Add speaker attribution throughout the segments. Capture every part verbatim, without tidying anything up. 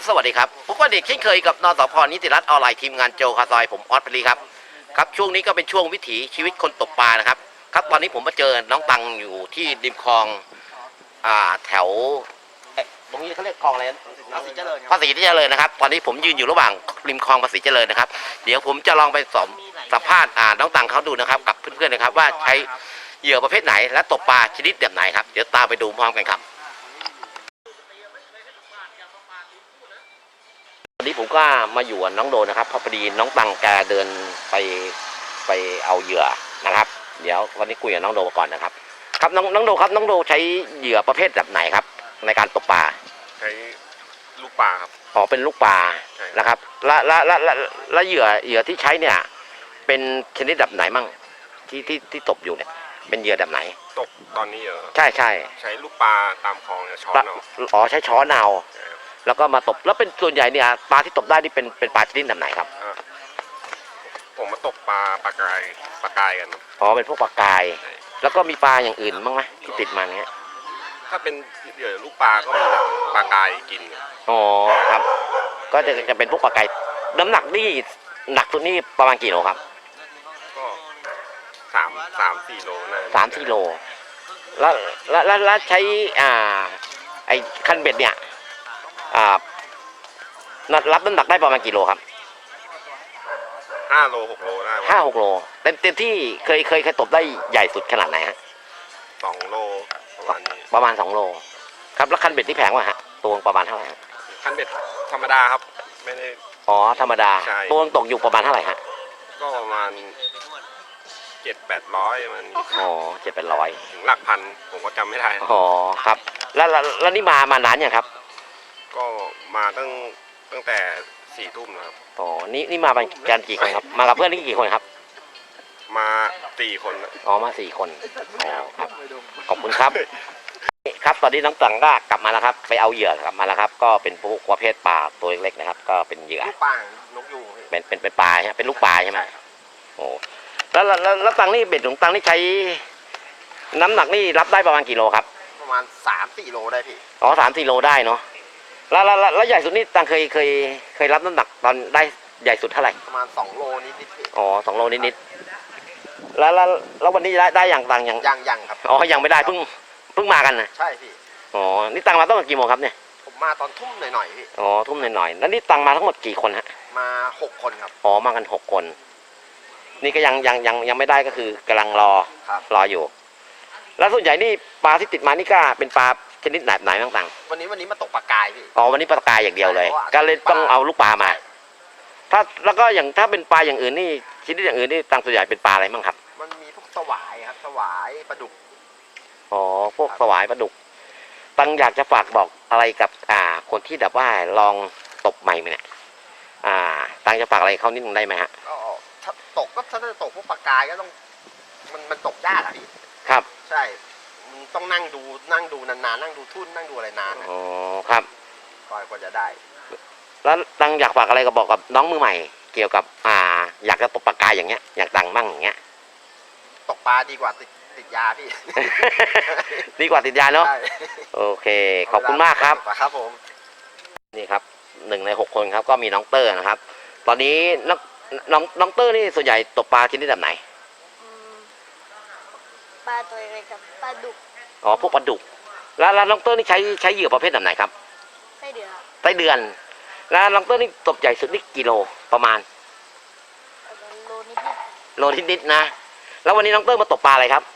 Speaker 1: ครับสวัสดีครับพบกันเด็กเช่นเคยกับนสพนิติรัตน์ออนไลน์ทีมงานโจคาซอยผมออสปรีครับครับช่วงนี้ก็เป็นช่วงวิถีชีวิตคนตกปลานะครับครับตอนนี้ผมมาเจอน้องตังอยู่ที่ริมคลองอ่าแถวตรงนี้เขาเรียกคลองอะไรภาษีเจริญภาษีเจริญนะครับตอนนี้ผมยืนอยู่ระหว่างริมคลองภาษีเจริญนะครับเดี๋ยวผมจะลองไปสอบสัมภาษณ์อ่าน้องตังเขาดูนะครับกับเพื่อนๆนะครับว่าใช้เหยื่อประเภทไหนและตกปลาชนิดแบบไหนครับเดี๋ยวตามไปดูพร้อมกันครับวันนี้ผมก็มาอยู่กับน้องโดนะครับพอดีน้องตังแกเดินไปไปเอาเหยื่อนะครับเดี๋ยววันนี้คุยกับน้องโดก่อนนะครับครับน้องน้องโดครับน้องโดใช้เหยื่อประเภทแบบไหนครับในการตกปลา
Speaker 2: ใช้ลูกปลาครับ
Speaker 1: อ๋อเป็นลูกปลานะครับและและและและและเหยื่อเหยื่อที่ใช้เนี่ยเป็นชนิดแบบไหนมั่งที่ที่ที่ตกอยู่เนี่ยเป็นเหยื่อแบบไหน
Speaker 2: ตกตอนนี้เหรอ
Speaker 1: ใช่ใช่
Speaker 2: ใช้ลูกปลาตามคลองเนี่ยช้อนเอา
Speaker 1: อ๋อใช้ช้อนเอาแล้วก็มาตบแล้วเป็นส่วนใหญ่เนี่ยปลาที่ตกได้นี่เป็นเป็นปลาชนิดแบบไหนครับ
Speaker 2: ผมมาตกปลาปลากายปลากายกัน
Speaker 1: อ๋อเป็นพวกปลากายแล้วก็มีปลาอย่างอื่นบ้างไหมที่ติดมาเนี้ย
Speaker 2: ถ้าเป็นเหยื่อลูกปลาก็มีปลากายกิน
Speaker 1: อ๋อครับก็จะจะเป็นพวกปลากายน้ำหนักนี่หนักสุดนี่ประมาณกี่โลครับ
Speaker 2: ก็สามสามสี่โลนะ
Speaker 1: สามสี่โลแล้วแล้วแล้วใช้อ่าไอ้คันเบ็ดเนี่ยอ่ารับน้ำหนักได้ประมาณกี่โลครับ
Speaker 2: ห้าโลหกโลได้
Speaker 1: ห้าหกโลเต็มเต็มที่เคยเคยเคยตบได้ใหญ่สุดขนาดไหนฮะ
Speaker 2: สองโลประมาณนี้
Speaker 1: ประมาณสองโลครับแล้วคันเบ็ดที่แพงวะฮะตัวประมาณเท่าไหร่
Speaker 2: คันเบ็ดธรรมดาครับไม่ได้
Speaker 1: อ๋อธรรมดาตัวตกอยู่ประมาณเท่าไหร่ฮะ
Speaker 2: ก็ประมาณเจ็ดแปดร้อยมัน
Speaker 1: อ๋อเจ็ดแปดร้อย
Speaker 2: ถึงหลักพันผมก็จำไม่ได้
Speaker 1: อ๋อครับแล้วแล้วนี่มามานานยังครับ
Speaker 2: ก็มาตั้งตั้งแต่สี่ทุ่มนะครับ
Speaker 1: อ๋อนี่นี่มากันกี่คนครับมากับเพื่อนนี่กี่คนครับ
Speaker 2: มาสี่คน
Speaker 1: อ๋อมาสี่คนอ๋อครับขอบคุณครับครับตอนนี้น้องตังก็กลับมาแล้วครับไปเอาเหยื่อกลับมาแล้วครับก็เป็นพวกประเภทปลาตัวเล็กๆนะครับก็เป็นเหยื่อ
Speaker 2: ลูกปลานกยูง
Speaker 1: เป็นเป็นเป็นปลาใช่ไหมเป็นลูกปลาใช่ไหมโอ้แล้วแล้วแล้วตังนี่เบ็ดของตังนี่ใช้น้ำหนักนี่รับได้ประมาณกี่โลครับ
Speaker 2: ประมาณสามสี่โลได้พี่
Speaker 1: อ๋อสามสี่โลได้เนาะแล้วแล้วแล้วใหญ่สุดนี่ตังเคยเคยเคยรับน้ำหนักตอนได้ใหญ่สุดเท่าไหร่
Speaker 2: ประมาณสองโลนิดนิด
Speaker 1: อ๋อสองโลนิดนิดแล้วแล้วแล้ววันนี้ได้ได้อย่างตัง
Speaker 2: ยังยังยังครับ
Speaker 1: อ๋อยังไม่ได้เพิ่งเพิ่งมากันนะ
Speaker 2: ใช่พี่
Speaker 1: อ๋อนี่ตังมาตั้งแต่กี่โมงครับเนี่ย
Speaker 2: ผมมาตอนทุ่มหน่อยๆพี่
Speaker 1: อ๋อทุ่มหน่อยๆแล้วนี่ตังมาทั้งหมดกี่คนฮะ
Speaker 2: มาหกคนครับ
Speaker 1: อ๋อมากันหกคนนี่ก็ยังยังยังยังไม่ได้ก็คือกำลังรอรออยู่แล้วส่วนใหญ่นี่ปลาที่ติดมานี่ก็เป็นปลาชนิดไหนไหนต่าง
Speaker 2: ๆวันนี้วันนี้มาตกปลากายพี่
Speaker 1: อ๋อวันนี้ปลากายอย่างเดียวเลยก็เลยต้องเอาลูกปลามาถ้าแล้วก็อย่างถ้าเป็นปลาอย่างอื่นนี่ชนิดอย่างอื่นนี่ตังส่วนใหญ่เป็นปลาอะไรบ้างครับ
Speaker 2: มันมีพวกสวายครับสวายปลาดุก
Speaker 1: อ๋อพวกสวายปลาดุกตังอยากจะฝากบอกอะไรกับอ่าคนที่แบบว่าลองตกใหม่เนี่ยอ่าตังจะฝากอะไรเขานิดนึงได้ไหมฮะ
Speaker 2: ก็ถ้าตกก็ถ้าจะตกพวกปลากายก็ต้องมันมันตกยากอะพี่
Speaker 1: ครับ
Speaker 2: ใช่มึงต้องนั่งดูนั่งดูนานๆนั่งดูทุ่นนั่งดูอะไรนาน
Speaker 1: อ๋อครับ
Speaker 2: ก่อนกว่าจะได้
Speaker 1: แล้วตังอยากฝากอะไรก็บอกกับน้องมือใหม่เกี่ยวกับอ่าอยากจะตกปลากายอย่างเงี้ยอยากดังบ้างอย่างเงี้ย
Speaker 2: ตกปลาดีกว่าติดติดยาพี่
Speaker 1: ดีกว่าติดยาเนาะโอเคขอบคุณมากครับ
Speaker 2: ครับผม
Speaker 1: นี่ครับหนึ่งในหกคนครับก็มีน้องเตอร์นะครับตอนนี้น้องน้องน้องเตอร์นี่ส่วนใหญ่ตกปลาชนิดแบบไหน
Speaker 3: ปลาตัวเล็กครับปลาดุก
Speaker 1: อ๋อพวกปลาดุกแล้วแล้วน้องเตอร์นี่ใช้ใช้เหยื่อประเภทแบบไหนครับ
Speaker 3: ไส้เดือน
Speaker 1: ไส้เดือนแล้วน้องเตอร์นี่ตกใหญ่สุดนี่กิโลประมาณ
Speaker 3: โลนิดนิด
Speaker 1: โลนิดนิดนะแล้ววันนี้น้องเตอร์มาตกปลาอะไรครับ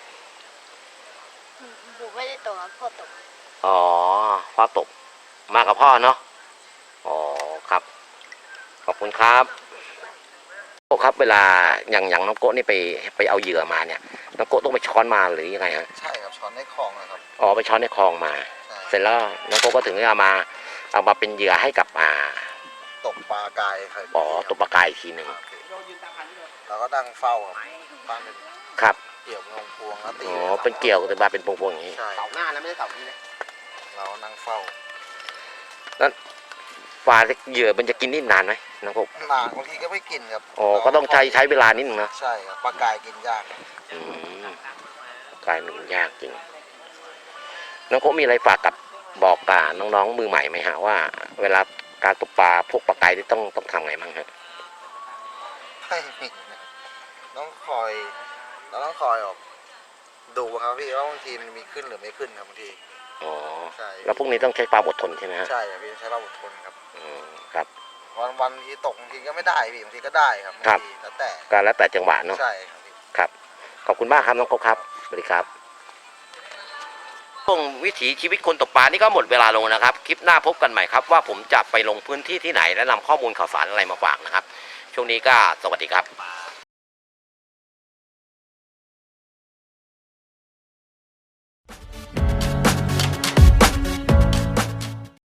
Speaker 3: ผมไม่ได้ตกครับพ่อตก
Speaker 1: อ๋อพ่อตกมากับพ่อเนาะอ๋อครับขอบคุณครับโก้ครับเวลาอย่างอย่างน้องโก้นี่ไปไปเอาเหยื่อมาเนี่ยน้องโก้ต้องไปช้อนมาหรือยังไงฮะ
Speaker 2: ใช่ครับช้อนในคลองนะครับ
Speaker 1: อ๋อไปช้อนในคลองมาเสร็จแล้วน้องโก้ก็ถึงเอามาเอามาเป็นเหยื่อให้กับอ่า
Speaker 2: ตกปลากายครับ
Speaker 1: อ๋อตกปลากายอีกทีหนึ่ง
Speaker 2: แล้วก็ดังเฝ้าบ้านเป็น
Speaker 1: ครับ
Speaker 2: เกี่ยวงพวงแล้วตี
Speaker 1: อ๋อเป็นเกี่ยวแต่มาเป็นพวงๆอย่างนี้
Speaker 2: เสาหน้าแล้วไม่ได้เสานี้นะเรานั่งเฝ้า
Speaker 1: แล้วปลาเหยื่อมันจะกินนี่นานไหมน้องโก้
Speaker 2: นานบางทีก็ไม่กินครับ
Speaker 1: อ๋อก็ต้องใช้ใช้เวลานิดนึงนะ
Speaker 2: ใช่ครับปลากายกินยาก
Speaker 1: อืมกายมันยากจริงน้องโก้มีอะไรฝากกับบอกกับน้องๆมือใหม่ไหมฮะว่าเวลาการตกปลาพวกปลาไกนี่ต้องต้องทำไงบ้างฮะ
Speaker 2: ไม่มีนะต้องคอยเราต้องคอยออกดูครับพี่ว่าบางทีมันมีขึ้นหรือไม่ขึ้นครับบางที
Speaker 1: อ๋อ
Speaker 2: ใช่
Speaker 1: แล้วพวกนี้ต้องใช้ความอดทนใช่ไหมฮะ
Speaker 2: ใช่ครับพี่ต้องใช้ความอดทนครับ
Speaker 1: อืมครับ
Speaker 2: วันวันทีตกบางทีก็ไม่ได้พี่บางทีก็ได้ครับบาง
Speaker 1: ครับ
Speaker 2: ทีแล้วแต่
Speaker 1: ก็แล้วแต่จังหวะเนาะ
Speaker 2: ใช่ครับพี่
Speaker 1: ครับขอบคุณมากครับน้องกบครับสวัสดีครับช่วงวิถีชีวิตคนตกปลานี่ก็หมดเวลาลงนะครับคลิปหน้าพบกันใหม่ครับว่าผมจะไปลงพื้นที่ที่ไหนและนำข้อมูลข่าวสารอะไรมาฝากนะครับช่วงนี้ก็สวัสดีครับ